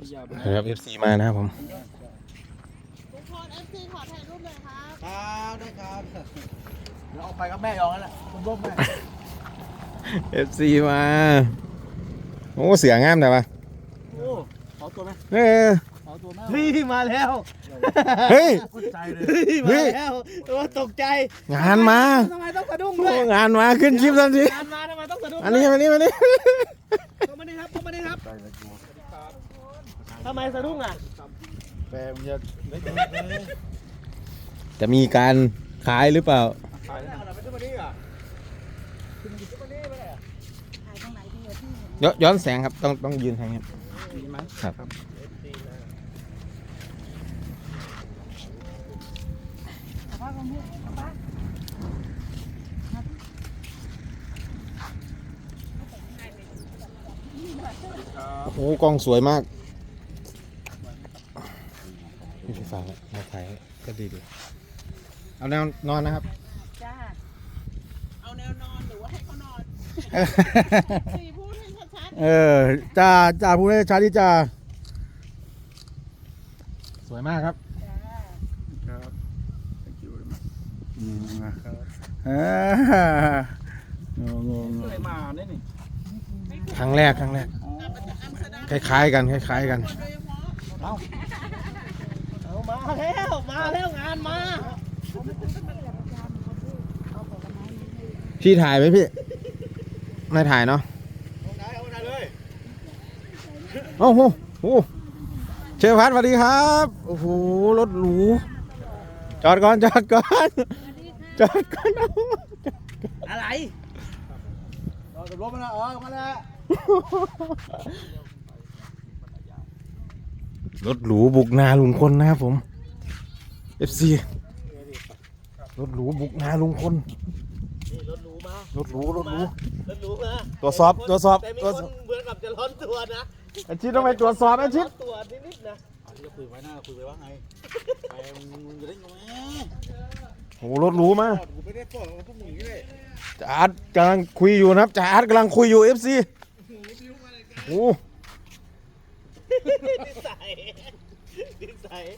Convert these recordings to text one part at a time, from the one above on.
ครับ FC มานะครับผมทุกคน FC ขอถ่ายรูปเลยครับครับได้ครับเดี๋ยวออกไปกับแม่ยองนั่นแหละคุณร่มแม่ FC มาโอ้เสืองามแต่ว่าโอ้ขอตัวไหมเออขอตัวไหมเฮ้ยมาแล้วเฮ้ยใจเลยมาแล้วตัวตกใจงานมาทำไมต้องสะดุ้งด้วยงานมาขึ้นคลิปทันทีงานมาทำไมต้องสะดุ้งอันนี้มานี่เข้ามานี่ครับเข้ามานี่ครับทำไมสะดุ้งอ่ะแปลมันจะไม่เจอจะมีการขายหรือเปล่าขายแล้วไม่ใช่มานี่อ่ะขึ้นมานี่ไปเลยถ่ายตรงไหนดีอะพี่ย้อนแสงครับต้องยืนทางนี้มีไหมครับโอ้กล้องสวยมากพี่ไฟฟ้ามาถ่ายก็ดีเอาแนวนอนนะครับจ้าเอาแนวนอนหรือว่าให้เขานอนสี่พูดให้ชัดจ่าพูดให้ชัดที่จ่าสวยมากครับๆจ้าครับ thank you very much เคยมาเนี่ยนี่ครั้งแรกคล้ายๆกันโดยเฉพาะเอามาแล้วงานมาพี่ถ่ายไหมพี่ไม่ถ่ายเนาะเอาไหนเลยโอ้โหเชฟพัดสวัสดีครับโอ้โหรถหรูจอดก่อนอะไรเราจะลบมาแล้วมาแล้วรถหรูบุกนาลุงพลนะครับผม FC รถหรูบุกนาลุงพลนี่รถหรูมารถหรูรถหรูมาตรวจสอบแต่มีคนเหมือนกับจะร้อนตัวนะอาชิตต้องไปตรวจสอบอาชิตตัวนิดๆนะที่จะคุยไว้หน้าคุยไว้ว่าไงไปมึงจะได้ไงโอ้รถหรูมากูไม่ได้ปลดพวกมึงนี่เลยจ่าอาร์ตกำลังคุยอยู่นะครับจ่าอาร์ตกำลังคุยอยู่ FC โอ้นิสัย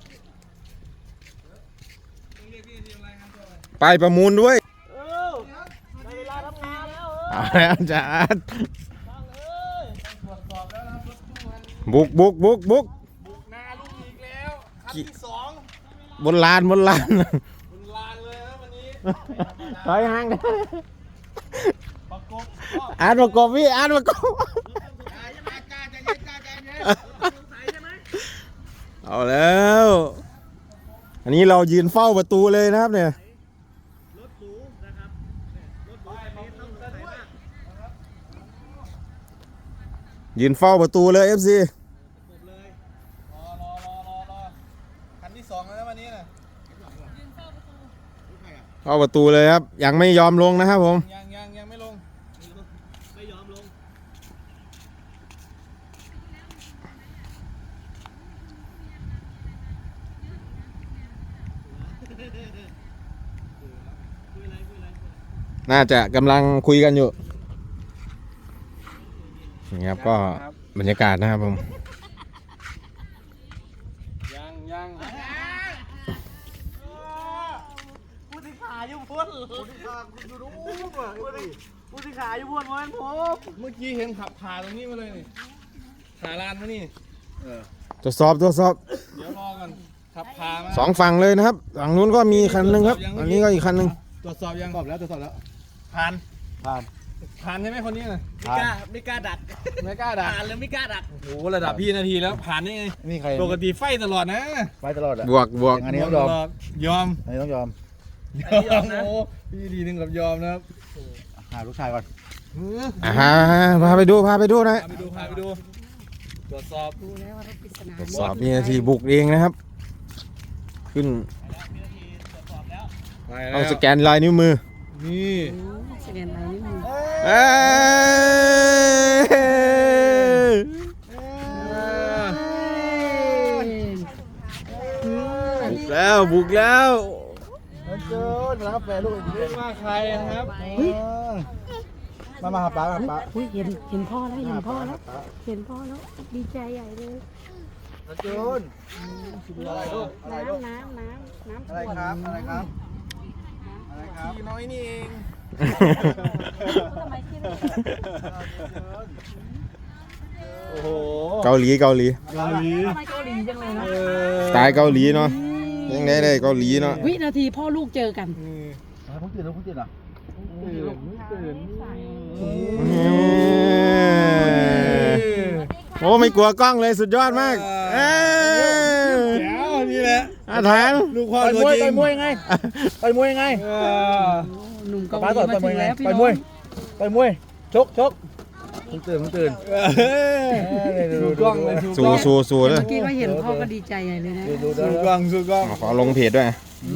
ไปประมูลด้วยในเวลาทำงานแล้วเอาแล้วจ่าอาร์ตตรวจสอบแล้วนะรถตู้มันบุกบุกนาลูกอีกแล้วคันที่สองบนลานคุณลานเลยนะวันนี้ถอยห่างนะประกบอาร์ตประกบพี่อาร์ตประกบ เอาแล้ว อันนี้เรายืนเฝ้าประตูเลยนะครับเนี่ยรถหรูนะครับรถหรูแบบนี้ต้องใส่มากยืนเฝ้าประตูเลย FC เลยรอคันที่สองแล้วนะวันนี้นะเข้าประตูเลยครับ ยังไม่ยอมลงนะครับผมยังไม่ลงไม่ยอมลงน่าจะกำลังคุยกันอยู่นี่ครับก็บรรยากาศนะครับผมยังผู้ที่ขาอยู่พ้นผู้ที่ขาอยู่รู้ผู้ที่ขาอยู่พ้นมันผมเมื่อกี้เห็นขับผ่าตรงนี้มาเลยนี่ผ่าลานมานี่ตรวจสอบเดี๋ยวรอกันขับผ่ามาสองฝั่งเลยนะครับฝั่งนู้นก็มีคันหนึ่งครับอันนี้ก็อีกคันหนึ่งตรวจสอบยังตรวจสอบแล้วผ่านใช่ไหมคนนี้น่ะไม่กล้าดักผ่านเลยไม่กล้าดักโอ้โหระดับพี่นาทีแล้วผ่านได้ไงนี่ใครปกติไฟตลอดนะไว้ตลอดอ่ะบวกอันนี้ต้องยอมยอมอันนี้ต้องยอมโอ้พี่ดีหนึ่งกับยอมนะครับหาลูกชายก่อนพาไปดูนะพาไปดูตรวจสอบดูแล้วว่ารถปริศนาตรวจสอบมีนาทีบุกเองนะครับ ขึ้นไปต้แล้องวสแกนลายนิ้วมือนี่แสดงอะไรนิดนึงเอ้ยบุกแล้วเกินนะครับแฟนลูกอีกเรียกว่าใครนะครับมาหาป้าป้าอุ้ยเห็นพ่อแล้วเห็นพ่อแล้วเห็นพ่อแล้วดีใจใหญ่เลยนันจูนอะไรลูกอะไรลูกน้ำอะไรครับอะไรครับอะไรครับพี่น้อยนี่เองทำไมคิดเลยโอ้โหเกาหลีทำไมเกาหลีจังเลยนะตายเกาหลีเนาะยังได้เกาหลีเนาะวินาทีพ่อลูกเจอกันผมตื่นแล้วผมตื่นอ่ะโอ้ไม่กลัวกล้องเลยสุดยอดมากเอ้ยแจ๋วนี่แหละอาถรรพ์ลูกพ่อตัวจริงต่อยมวยไงต่อยมวยไงหนุ่มเกาหป้าลีต่อยมามถึวยงไงแล้วพี่ต่อยน้มอวยงต่อยมวยผมตื่นสู้กล้องเลยสู้กสู้ล้องสู้เลยเมื่อกี้ก็เห็นพ่อก็ดีใจใหญ่เลยนะดูสู้กล้องสู้กล้องขอลงเพจด้วย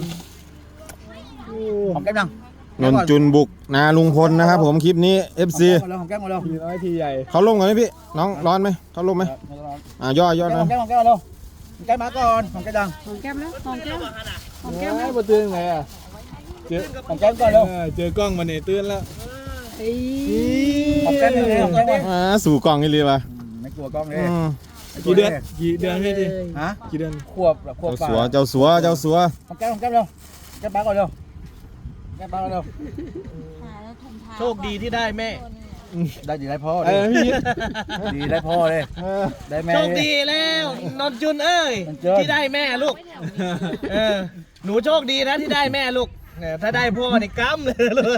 หอมแก้มยังนนจุนบุกนาลุงพลนะครับผมคลิปนี้ FC หอมแก้มมาแล้วพี่น้อยทีใหญ่เขาลงกันไหมพี่น้องร้อนไหมเขาลงไหมย่อหอนะมแก้มมาแล้วแก้มมาก่อนหอมแก้มดังหอมแก้มแล้วหอมแก้มหอมแก้แก้มมแล้วมาตื่นไงอ่ะเจอหอมแก้มก่อนเร็วเจอกล้องมาเนี่ยตื่นแล้วเอ้ยหอมแก้มเลยหอมแก้มเลยสู่กล้องนี่เลยว่ะไม่กลัวกล้องเลยกี่เดือนพี่ดิฮะกี่เดือนขวบขวบเจ้าสัวหอมแก้มเร็วแก้มป้าก่อนเร็วแก้มป้าก่อนเร็วโชคดีที่ได้แม่ได้ดีได้พ่อเออพี่ดีได้พ่อเลยได้แม่โชคดีแล้วนนจุนเอ้ยนนจุนที่ได้แม่ลูกหนูโชคดีนะที่ได้แม่ลูกเนี่ยถ้าได้พ่อนี่กำเลยลูก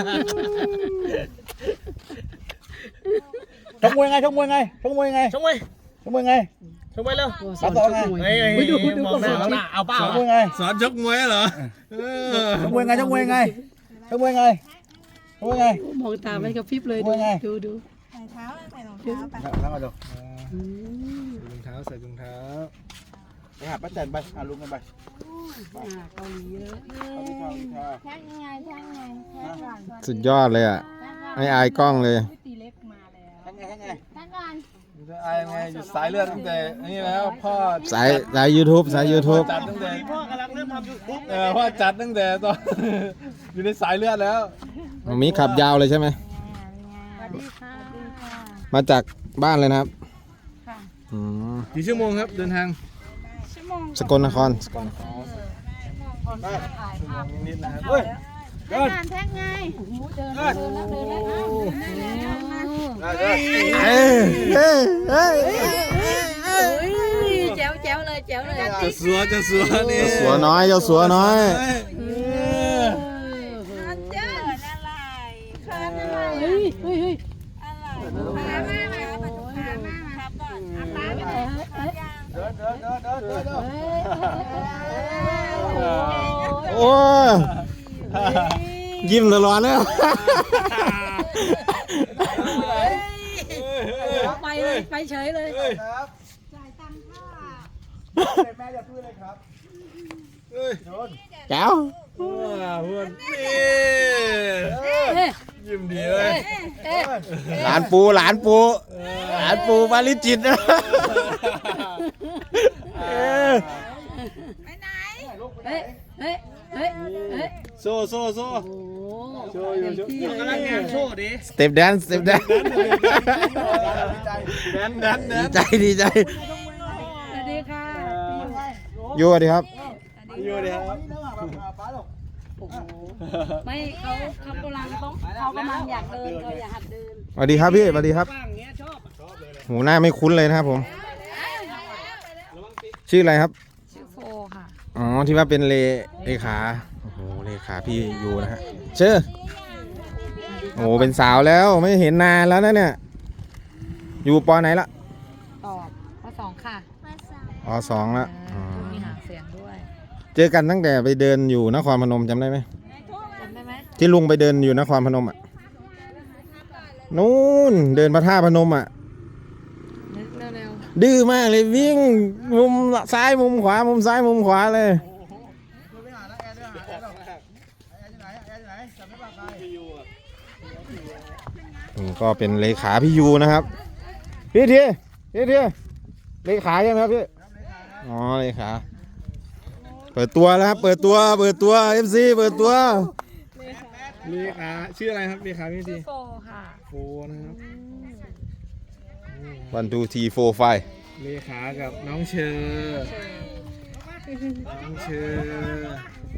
ชกมวยไงชกมวยไงชกมวยไงชกมวยชกมวยไงชกมวยเร็วโอ้สอนชกมวยเฮ้ยมองหน้ามองหน้าเอาเปล่าชกมวยไงสอนชกมวยเหรอชกมวยไงชกมวยไงชกมวยไงชกมวยไงมองตาไม่กระพริบเลยว่าไงดูใส่เท้าใส่รองเท้าไปแล้วมาดูอืมรองเท้าใส่รองเท้าไปหาป้าแตนไปหาลุงกันไปเกาหลีเลยแท็กยังไงแท็กยังไงแท็กก่อนสุดยอดเลยอ่ะไม่อายกล้องเลยตีเล็กมาแล้วทั้งไงทั้งไงแท็กก่อนไอ้ไงอยู่สายเลือดตั้งแต่นี่แล้วพ่อสาย YouTube สาย YouTube จัดตั้งแต่พ่อกำลังเริ่มทำยูทูบพ่อจัดตั้งแต่ตอน อยู่ในสายเลือดแล้วมีขับยาวเลยใช่ไหมสวัสดีค่ะมาจากบ้านเลยนะครับอืมกี่ชั่วโมงครับเดินทางชั่วโมงสกลนครคนถ่ายภาพนิดนะครับเฮ้ยแท็กงานแท็กไงเดินแล้วเดินแล้วเดินแล้วเอ้ยเอ้ยเอ้ยแจ๋วแจ๋วเลยแจ๋วเลยจะสัวนี่เจ้าสัวน้อยเจ้าสัวน้อยอันเจ้าอะไรเขินอะไรเฮ้ยอะไรพามาปัจจุบันมาครับก่อนอาป้าไปไหนเดินเดินเดินเดินเดินเดินโอ้ยยิ้มตลอดเลยไปเลยไปเฉยเลยครับจ่ายตังค่าแม่อย่าพูดเลยครับแก้วเพื่อนนี่เอ๊ะยิ้มดีเลยเอ๊ะหลานปูหลานปูปาริจิตนะไปไหนเฮ้ยเฮ้ยเฮ้ยเฮ้ยโซ่โอ้โชว์อยู่โชว์กำลังงานโชว์ดิสเต็ปแดนแซ์ดนดีใจสวัสดีค่ะอยู่ดีครับอยู่ดิครับโอ้โหไม่เขากำลังต้องเขากำลังอยากเดินเขาอยากหัดเดินสวัสดีครับพี่สวัสดีครับหูหน้าไม่คุ้นเลยนะครับผม ชื่ออะไรครับชื่อโฟค่ะอ๋อที่ว่าเป็นเลขาโอ้โหเลขาพี่อยู่นะฮะชื่อโอ้โหเป็นสาวแล้วไม่เห็นนานแล้วนะเนี่ยอยู่ปอไหนละตอบข้อสองค่ะอ๋อสองละอ๋อมีหางเสียงด้วยเจอกันตั้งแต่ไปเดินอยู่นครพนมจำได้ไหมจำได้ไหมที่ลุงไปเดินอยู่นครพนมอ่ะนู่นเดินพระธาตุพนมอ่ะนึกเร็วดื้อมากเลยวิ่งมุมซ้ายมุมขวามุมซ้ายมุมขวาเลยนี่ก็เป็นเลขาพี่ยูนะครับพี่ทีเลขาใช่ไหมครับพี่อ๋อเลขาเปิดตัวแล้วครับเปิดตัว FC เปิดตัวเลขาชื่ออะไรครับเลขาพี่ทีโฟค่ะโฟนะครับ 1 2 3 4 5 เลขากับน้องเชอร์น้องเชอร์